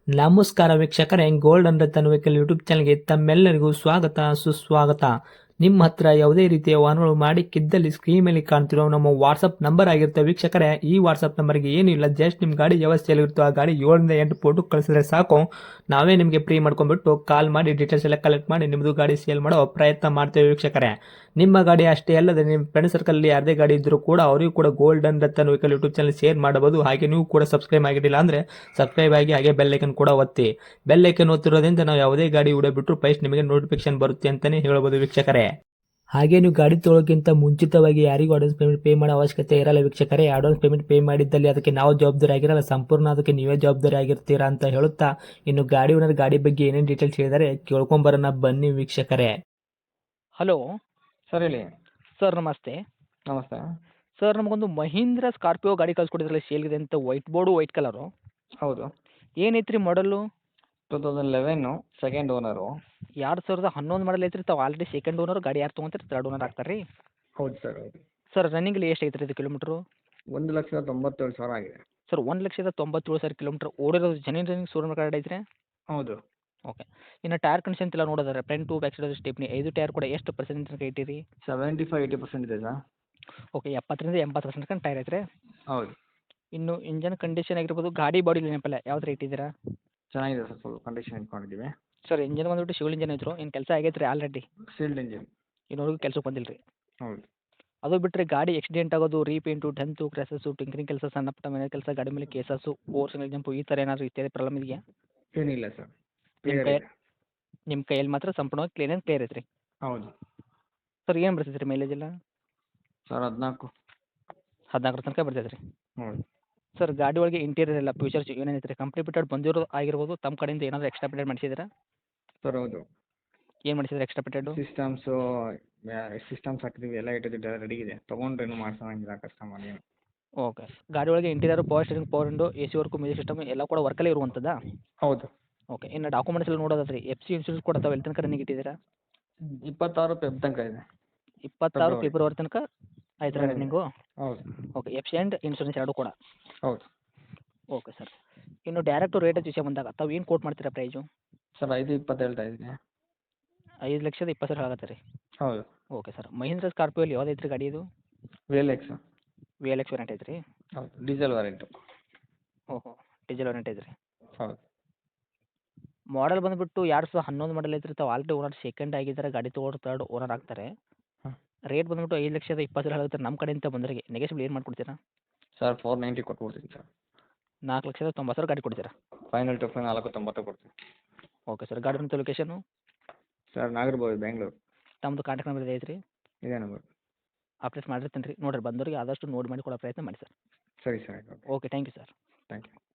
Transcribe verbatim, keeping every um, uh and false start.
ನಮಸ್ಕಾರ ವೀಕ್ಷಕರೇ, gold and Ratan vehicle YouTube ಚಾನಲ್ಗೆ ತಮ್ಮೆಲ್ಲರಿಗೂ ಸ್ವಾಗತ ಸುಸ್ವಾಗತ. ನಿಮ್ಮ ಹತ್ರ ಯಾವುದೇ ರೀತಿಯ ವಾಹನಗಳು ಮಾಡಿಕ್ಕಿದ್ದಲ್ಲಿ ಸ್ಕ್ರೀನ್ ಮೇಲೆ ಕಾಣ್ತಿರೋ ನಮ್ಮ ವಾಟ್ಸಪ್ ನಂಬರ್ ಆಗಿರುತ್ತೆ ವೀಕ್ಷಕರೇ. ಈ ವಾಟ್ಸಪ್ ನಂಬರ್ಗೆ ಏನಿಲ್ಲ, ಜಸ್ಟ್ ನಿಮ್ಮ ಗಾಡಿ ವ್ಯವಸ್ಥೆಯಲ್ಲಿರುತ್ತೋ ಆ ಗಾಡಿ ಏಳರಿಂದ ಎಂಟು ಫೋಟೋ ಕಳಿಸಿದ್ರೆ ಸಾಕು, ನಾವೇ ನಿಮಗೆ ಫ್ರೀ ಮಾಡ್ಕೊಂಡ್ಬಿಟ್ಟು ಕಾಲ್ ಮಾಡಿ ಡೀಟೇಲ್ಸ್ ಎಲ್ಲ ಕಲೆಕ್ಟ್ ಮಾಡಿ ನಿಮ್ಮದು ಗಾಡಿ ಸೇಲ್ ಮಾಡೋ ಪ್ರಯತ್ನ ಮಾಡ್ತೇವೆ ವೀಕ್ಷಕರೇ. ನಿಮ್ಮ ಗಾಡಿ ಅಷ್ಟೇ ಅಲ್ಲದೆ ನಿಮ್ಮ ಫ್ರೆಂಡ್ ಸರ್ಕಲ್ ಯಾರದೇ ಗಾಡಿ ಇದ್ದರೂ ಕೂಡ ಅವರಿಗೂ ಕೂಡ gold and Ratan vehicle YouTube channel share ಮಾಡಬಹುದು. ಹಾಗೆ ನೀವು ಕೂಡ ಸಬ್ಸ್ಕ್ರೈಬ್ ಆಗಿರಲಿಲ್ಲ ಅಂದರೆ ಸಬ್ಸ್ಕ್ರೈಬ್ ಆಗಿ ಹಾಗೆ ಬೆಲ್ ಐಕನ್ ಕೂಡ ಒತ್ತಿ. ಬೆಲ್ ಐಕನ್ ಒತ್ತಿರೋದ್ರಿಂದ ನಾವು ಯಾವುದೇ ಗಾಡಿ ವಿಡಿಯೋ ಬಿಟ್ಟರು ಫಸ್ಟ್ ನಿಮಗೆ ನೋಟಿಫಿಕೇಶನ್ ಬರುತ್ತೆ ಅಂತಾನೆ ಹೇಳ್ಬೋದು ವೀಕ್ಷಕರೇ. ಹಾಗೆ ನೀವು ಗಾಡಿ ತೊಳೋಕ್ಕಿಂತ ಮುಂಚಿತವಾಗಿ ಯಾರಿಗೂ ಅಡ್ವಾನ್ಸ್ ಪೇಮೆಂಟ್ ಪೇ ಮಾಡೋ ಅವಶ್ಯಕತೆ ಇರಲ್ಲ ವೀಕ್ಷಕರೇ. ಅಡ್ವಾನ್ಸ್ ಪೇಮೆಂಟ್ ಪೇ ಮಾಡಿದ್ದಲ್ಲಿ ಅದಕ್ಕೆ ನಾವು ಜವಾಬ್ದಾರಿ ಆಗಿರಲ್ಲ, ಸಂಪೂರ್ಣ ಅದಕ್ಕೆ ನೀವೇ ಜವಾಬ್ದಾರಿ ಆಗಿರ್ತೀರಾ ಅಂತ ಹೇಳುತ್ತಾ, ಇನ್ನು ಗಾಡಿ ಓನರ್ ಗಾಡಿ ಬಗ್ಗೆ ಏನೇನು ಡೀಟೇಲ್ಸ್ ಹೇಳಿದರೆ ಕೇಳ್ಕೊಂಬರೋಣ ಬನ್ನಿ ವೀಕ್ಷಕರೇ. ಹಲೋ ಸರ್ ಹೇಳಿ. ಸರ್, ನಮಸ್ತೆ. ನಮಸ್ತೆ. ಸರ್, ನಮಗೊಂದು ಮಹೀಂದ್ರ ಸ್ಕಾರ್ಪಿಯೋ ಗಾಡಿ ಕಳ್ಸಿಕೊಟ್ಟಿದ್ರಲ್ಲ ಸೇಲ್ಗಿದೆ ಅಂತ, ವೈಟ್ ಬೋರ್ಡು ವೈಟ್ ಕಲರು. ಹೌದು. ಏನೈತ್ರಿ ಮಾಡಲು? Two thousand eleven, second owner. ಎರಡು ಸಾವಿರದ ಹನ್ನೊಂದು ಮಾಡಲ್ ಐತ್ರಿ. ತಾವು ಆಲ್ರೆಡಿ ಸೆಕೆಂಡ್ ಓನರ್, ಗಾಡಿ ಯಾರು ತೊಗೊಂತಾರೆ ತರ್ಡ್ ಓನರ್ ಆಗ್ತಾರೆ ರೀ. ಹೌದು ಸರ್, ಹೌದು. ಸರ್, ರನ್ನಿಂಗಲ್ಲಿ ಎಷ್ಟು ಐತ್ರಿ ಇದು ಕಿಲೋಮೀಟ್ರು? ಒಂದು ಲಕ್ಷದ ತೊಂಬತ್ತೇಳು ಸಾವಿರ ಆಗಿದೆ. ಸರ್, ಒಂದು ಲಕ್ಷದ ತೊಂಬತ್ತೇಳು ಸಾವಿರ ಕಿಲೋಮೀಟ್ರ್ ಓಡಿರೋದು. ಜನಿನ್ ರನ್ನಿಂಗ್ ಶೋರೂಮ್ ಕಾರ್ಡ್ ಐತ್ರಿ? ಹೌದು. ಓಕೆ. ಇನ್ನು ಟೈರ್ ಕಂಡೀಷನ್ ಎಲ್ಲ ನೋಡೋದಾರೆ, front to back side stepney ಐದು ಟೈರ್ ಕೂಡ ಎಷ್ಟು ಪರ್ಸೆಂಟ್ ತನಕ ಇಟ್ಟಿರಿ? ಸೆವೆಂಟಿ ಫೈವ್ ಏಯ್ಟಿ ಪರ್ಸೆಂಟ್ ಇದೆ ಸರ್. ಓಕೆ, ಎಪ್ಪತ್ತರಿಂದ ಎಂಬತ್ತು ಪರ್ಸೆಂಟ್ ತನಕ ಟೈರ್ ಐತ್ರಿ. ಹೌದು. ಇನ್ನು ಇಂಜನ್ ಕಂಡೀಷನ್ ಆಗಿರ್ಬೋದು, ಗಾಡಿ ಬಾಡಿ ನೆನಪಲ್ಲ ಯಾವ್ದು ರೇಟ್ ಇದ್ದೀರಾ? ಚೆನ್ನಾಗಿದೆ ಸರ್, ಫುಲ್ ಕಂಡೀಷನ್ ಇಟ್ಕೊಂಡಿದ್ದೀವಿ. ಸರ್, ಇಂಜನ್ ಬಂದ್ಬಿಟ್ಟು ಶಿವಲ್ ಇಂಜನ್ ಐತ್ರು. ಏನು ಕೆಲಸ ಆಗೈತೆ ರೀ ಆಲ್ರೆಡಿ? Sealed engine. ಇನ್ನೂವರೆಗೂ ಕೆಲಸಕ್ಕೆ ಬಂದಿಲ್ಲ ರೀ. ಹೌದು. ಅದು ಬಿಟ್ಟರೆ ಗಾಡಿ ಆಕ್ಸಿಡೆಂಟ್ ಆಗೋದು, ರೀಪೇಂಟು, ಡೆಂತು, ಕ್ರ್ಯಾಸಸ್ಸು, ಟಿಂಕರಿಂಗ್ ಕೆಲಸ, ಸಣ್ಣ ಪುಟ್ಟ ಮನೆ ಕೆಲಸ, ಗಾಡಿ ಮೇಲೆ ಕೇಸಸ್ಸು, ಓವರ್ ಸಿಂಗಲ್ ಜಂಪು, ಈ ಥರ ಏನಾದರೂ ಇತ್ಯಾದಿ ಪ್ರಾಬ್ಲಮ್ ಇದೆಯಾ? ಏನಿಲ್ಲ ಸರ್, ನಿಮ್ಮ ಕ್ಲಿಯರ್ ಕೈ ಇದೆ. ನಿಮ್ಮ ಕೈಯಲ್ಲಿ ಮಾತ್ರ ಸಂಪೂರ್ಣವಾಗಿ ಕ್ಲೀನ್ ಆ್ಯಂಡ್ ಕ್ಲಿಯರ್ ಐತ್ರಿ. ಹೌದು. ಸರ್, ಏನು ಬರ್ತೈತೆ ರೀ ಮೈಲೇಜ್ ಎಲ್ಲ? ಸರ್ ಹದಿನಾಲ್ಕು. ಹದಿನಾಲ್ಕರ ತನಕ ಬರ್ತೈತೆ ರೀ. ಹೌದು. ಸರ್, ಗಾಡಿ ಒಳಗೆ ಇಂಟೀರಿಯರ್ ಎಲ್ಲ ಫ್ಯೂಚರ್ಸ್ ಏನೇನೈತೆ ರೀ? ಕಂಪ್ನಿ ಬಿಟ್ಟೆಡ್ ಬಂದಿರೋದು ಆಗಿರ್ಬೋದು, ತಮ್ಮ ಕಡೆಯಿಂದ ಏನಾದರೂ ಎಕ್ಸ್ಟ್ರಾ ಪಿಟೆಡ್ ಮಾಡಿಸಿದ್ದೀರಾ? ಸರ್ ಹೌದು. ಏನು ಮಾಡಿಸಿದ್ರೆ ಎಕ್ಸ್ಟ್ರಾ ಪಿಟೆಡು? ಸಿಸ್ಟಮ್ಸು ಸಿಸ್ಟಮ್ಸ್ ಹಾಕಿದ್ದೀವಿ, ಎಲ್ಲ ಇಟ್ಟಿದ್ದು ರೆಡಿ ಇದೆ. ತೊಗೊಂಡ್ರೇನು ಮಾಡ್ಸೋಂಗಿಲ್ಲ ಕಸ್ಟಮರ್ ಏನು. ಓಕೆ. ಗಾಡಿ ಒಳಗೆ interior, power steering, power window, A C work, music system ಎಲ್ಲ ಕೂಡ ವರ್ಕಲ್ಲೇ ಇರುವಂಥದ್ದಾ? ಹೌದು. ಓಕೆ. ಇನ್ನು ಡಾಕ್ಯುಮೆಂಟ್ಸ್ ಎಲ್ಲ ನೋಡೋದಾದ್ರೆ ಎಫ್ ಸಿ ಇನ್ಶೂರೆನ್ಸ್ ಕೂಡ ತಾವು ಎಲ್ಲಿ ತನಕ ರನ್ನಿಂಗ್ ಇಟ್ಟಿದ್ದೀರಾ? ಇಪ್ಪತ್ತಾರು ಪೆಬ್ ತನಕ ಇದೆ. ಇಪ್ಪತ್ತಾರು ಫೆಬ್ರವರಿ. ಫೆಬ್ರವರಿ ತನಕ ಆಯ್ತು ರೀ ರನ್ನಿಂಗು? ಹೌದು. Okay. F C and insurance ಎರಡು ಕೂಡ? ಹೌದು. Okay sir. ಇನ್ನು ಡೈರೆಕ್ಟು ರೇಟ್ ವಿಷಯ ಬಂದಾಗ ತಾವು ಏನು ಕೋಟ್ ಮಾಡ್ತೀರಾ ಪ್ರೈಸು? ಸರ್ ಐದು ಇಪ್ಪತ್ತು ಹೇಳ್ತಾ ಇದ್ದೀನಿ. ಐದು ಲಕ್ಷದ ಇಪ್ಪತ್ತು ಸಾವಿರ ಆಗತ್ತೆ ರೀ. ಹೌದು. Okay sir. ಮಹೀಂದ್ರ ಸ್ಕಾರ್ಪಿಯೋಲಿ ಯಾವ್ದು ಐತ್ರಿ ಗಾಡಿ ಇದು? V L X. V L X variant ಐತ್ರಿ? ಹೌದು, ಡೀಸೆಲ್ ವೇರಿಯಂಟು. ಓಹೋ, ಡೀಸೆಲ್ ವೇರಿಯಂಟ್ ಐತ್ರಿ. ಹೌದು. ಮಾಡಲ್ ಬಂದುಬಿಟ್ಟು ಎರಡು ಸಾವಿರದ ಹನ್ನೊಂದು ಮಾಡಲ್ ಐತ್ರಿ. ತಾವು ಆಲ್ರೆಡಿ ಓನರ್ ಸೆಕೆಂಡ್ ಆಗಿದ್ದಾರೆ, ಗಾಡಿ ತೊಗೊಂಡು ತರ್ಡ್ ಓನರ್ ಆಗ್ತಾರೆ. ಹಾಂ. ರೇಟ್ ಬಂದುಬಿಟ್ಟು ಐದು ಲಕ್ಷದ ಇಪ್ಪತ್ತು ಸಾವಿರ ಆಗುತ್ತೆ. ನಮ್ಮ ಕಡೆಯಿಂದ ಬಂದವರಿಗೆ ನೆಗೆಸಿಬಲ್ ಏನು ಮಾಡ್ಕೊಡ್ತೀರಾ? ಸರ್ ಫೋರ್ ನೈಂಟಿ ಕೊಟ್ಬಿಡ್ತೀನಿ ಸರ್. ನಾಲ್ಕು ಲಕ್ಷದ ತೊಂಬತ್ತು ಸಾವಿರ ಗಾಡಿ ಕೊಡ್ತೀರಾ? ಫೈನಲ್ ಟು ಫೈನಲ್ ನಾಲ್ಕು ತೊಂಬತ್ತು ಕೊಡ್ತೀನಿ. Okay sir. ಗಾಡಿ ಬಂತು ಲೊಕೇಶನು? ಸರ್ ನಾಗರಬಾವಿ, ಬೆಂಗಳೂರು. ತಮ್ಮದು ಕಾಂಟ್ಯಾಕ್ಟ್ ನಂಬರ್ ಇದೆ ಐತ್ರಿ? ಇದೇ ನಂಬರ್. ಅಪ್ಡೇಟ್ ಮಾಡಿರ್ತೀನಿ ರೀ. ನೋಡಿರಿ ಬಂದವರಿಗೆ ಆದಷ್ಟು ನೋಡಿ ಮಾಡಿ ಕೊಡೋ ಪ್ರಯತ್ನ ಮಾಡಿ ಸರ್. ಸರಿ ಸರ್, ಆಯ್ತು. Okay, thank you sir. Thank you.